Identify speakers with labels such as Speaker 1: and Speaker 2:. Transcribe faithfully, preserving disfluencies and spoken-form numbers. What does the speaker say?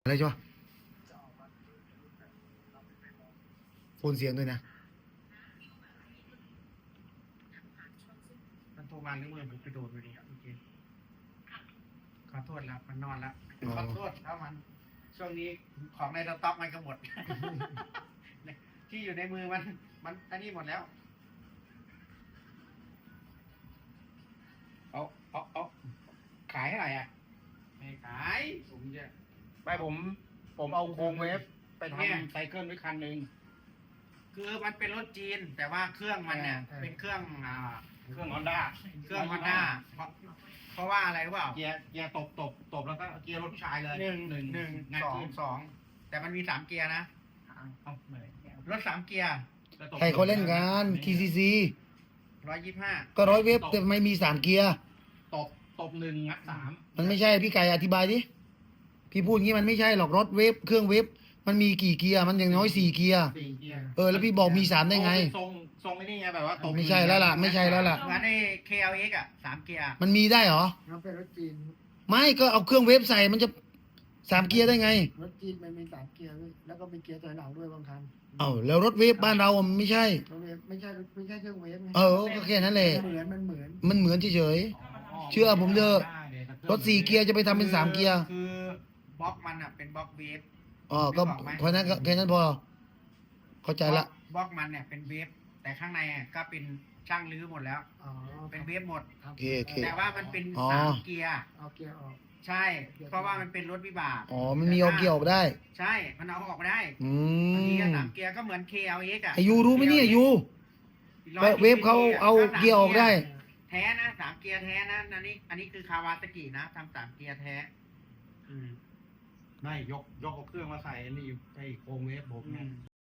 Speaker 1: อะไรใช่ปะโฟนเสียงด้วยนะ
Speaker 2: มันโทรมาหรือมือผมไปโดนไปดูโอเคขอโทษแล้วมันนอนแล้วขอโทษแล้วมันช่วงนี้ของในสต็อกมันก็หมด ที่อยู่ในมือมันมันอันนี้หมดแล้วเอาเอาเอาขายอะไรอ่ะไม่ขายผมจะ
Speaker 3: ไม่ผมผมเอาโครงเวฟไป
Speaker 2: เนี่ย
Speaker 3: ทำไซเคิลไว้คันหนึ่ง
Speaker 2: คือมันเป็นรถจีน แต่ว่าเครื่องมันเนี่ย
Speaker 3: เออ
Speaker 2: เป็นเครื่องอ่า
Speaker 3: เครื่องฮอนด้า
Speaker 2: เครื่องฮอนด้าเพราะเพราะว่าอะไรรู้เปล่า
Speaker 3: เกียร์เกียร์ตบตบตบแล้วก็เกียร์รถผู้ชายเลย
Speaker 2: หนึ่งหนึ่งหนึ่ง
Speaker 3: งัด
Speaker 2: สอง
Speaker 3: ขึ้น
Speaker 2: สองแต่มันมีสามเกียร์นะ
Speaker 3: เอาเหนื่อย
Speaker 2: รถสามเกียร์
Speaker 3: แล้วตบ
Speaker 1: ใครเขาเล่นกัน ที ซี ซี
Speaker 2: ร้อยยี่สิบห้า
Speaker 1: ก็ร้อยเว็บแต่ไม่มีสามเกียร์
Speaker 3: ตบตบหนึ่งงัดสาม
Speaker 1: มันไม่ใช่พี่ไก่อธิบายดิพี่พูดงี้มันไม่ใช่หรอกรถเวฟเครื่องเวฟมันมีกี่เกียร์มันอย่างน้อยสี่เกียร์
Speaker 3: สี่เกียร์
Speaker 1: เออแล้วพี่บอกมีสามได้ไง
Speaker 3: ทรงทรงไม่ได้ไงแบบว่าตบ
Speaker 1: ไม่ใช่แล้วล่ะไม่ใช่แล้วล่ะ
Speaker 2: เหมือนใน เค แอล เอ็กซ์ อ่ะสามเกียร์
Speaker 1: มันมีได้เหรอ
Speaker 4: มันเป็นรถจีน
Speaker 1: ไม่ก็เอาเครื่องเวฟใส่มันจะสามเกียร์ได้ไง
Speaker 4: รถจีนมันมีสามเกียร์ด้วยแล้วก็มีเกียร์ถอยหลังด้วยบางคัน
Speaker 1: เอ้าแล้วรถเวฟบ้านเราอะมันไม่ใช่
Speaker 4: รถเวฟไม่ใช่ไม่ใช่เครื่องเวฟไง
Speaker 1: เออก็แค่นั้นแหละ
Speaker 4: มันเหมือนมันเหมือน
Speaker 1: มันเหมือนเฉย เชื่อผมเถอะ ๆรถสี่เกียร์จะไปทำเป็นสามเกียร์
Speaker 2: คือบล็อกมันอ่ะเป็นบล็อกเวฟ
Speaker 1: อ๋อก็เพราะนั้นก็แค่นั้นพอเข้าใจละ
Speaker 2: บล็อกมันเนี่ยเป็นเวฟแต่ข้างในอ่ะก็เป็นช่างรื้อหมดแล้ว
Speaker 4: อ๋อ
Speaker 2: เป็นเวฟหมด
Speaker 4: ทำ
Speaker 1: โอเคโอเค
Speaker 2: แต่ว่ามันเป็น
Speaker 1: อ๋อ
Speaker 2: สามเกียร์
Speaker 4: เอาเกียร์ออก
Speaker 2: ใช่ เพราะว่ามันเป็นรถวิบาก
Speaker 1: อ๋อมันมีเอาเกียร์ออกได้
Speaker 2: ใช่ มันเอาออกไม่ได้
Speaker 1: อื
Speaker 2: บางที
Speaker 1: ม
Speaker 2: สามเกียร์ก็เหมือน เค แอล เอ็กซ์ อ่ะ
Speaker 1: ไอายูรู้ไหมเนี่ยยู
Speaker 2: ร้อย
Speaker 1: เวฟเขาเอาเกียร์ออกได้
Speaker 2: แท้นะสามเกียร์แท้นะอันนี้ อันนี้คือคาวาซากินะทำสามเกียร์แท้ อืม
Speaker 3: ไม่ยกยกเอาเครื่องมาใส่อันนี่ไอ้โครงเวฟผม
Speaker 2: อื
Speaker 3: เนี่ย
Speaker 2: ม